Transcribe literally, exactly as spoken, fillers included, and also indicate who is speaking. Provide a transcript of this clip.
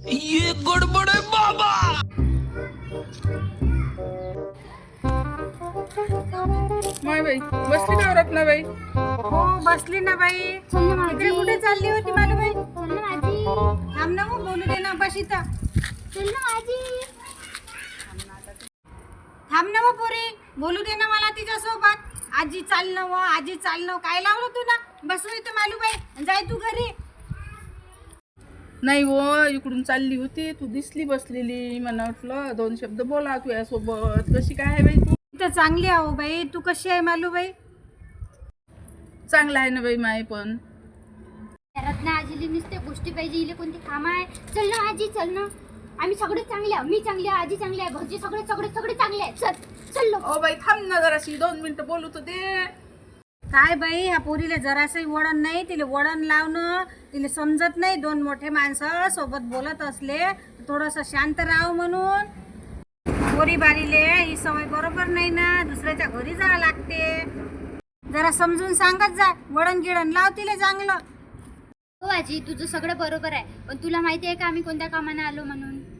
Speaker 1: ये गडबड आहे बाबा.
Speaker 2: माय बाई बसली का रत्नाबाई?
Speaker 3: हो बसली ना बाई.
Speaker 4: चल ना
Speaker 3: इकडे
Speaker 4: माझी.
Speaker 3: कुठे चालली होती मालूबाई?
Speaker 4: चल ना माझी.
Speaker 3: थांब ना मग बोलू दे ना बशी तर.
Speaker 4: चल ना माझी.
Speaker 3: थांब ना मग पोरी बोलू दे ना मला तिच्यासोबत. आजी चालणं व आजी चालणं काय लावलं तू ना बसू इथं मालूबाई जाय तू घरी.
Speaker 2: नाही हो इकडून चालली होती तू दिसली बसलेली मला वाटलं दोन शब्द बोला तुझ्यासोबत. कशी काय आहे बाई तू?
Speaker 3: इथं चांगली आहो बाई. तू कशी आहे मालूबाई?
Speaker 2: चांगलं आहे ना बाई माय पण.
Speaker 4: रत्ना आजीली नुसते गोष्टी पाहिजे इले कोणती काम आहे. चल ना आजी चल ना. आम्ही सगळे चांगले आहे. मी चांगली आहे आजी चांगली आहे घरचे सगळे सगळे सगळे चांगले आहे. चल चल लोक.
Speaker 2: ओ बाई थांब ना जराशी दोन मिनिटं बोलू तर दे.
Speaker 3: काय बाई ह्या पोरीला जरासंही वळण नाही. तिला वळण लावणं तिला समजत नाही. दोन मोठे माणसं सोबत बोलत असले थोडंसं शांत राहावं म्हणून. पोरी बारीले ही सवय बरोबर नाही ना. दुसऱ्याच्या घरी जावं लागते. जरा समजून सांगत जा. वळण गिळण लाव तिला चांगलं.
Speaker 4: हो आजी तुझं सगळं बरोबर आहे पण तुला माहिती आहे का आम्ही कोणत्या कामाने आलो म्हणून?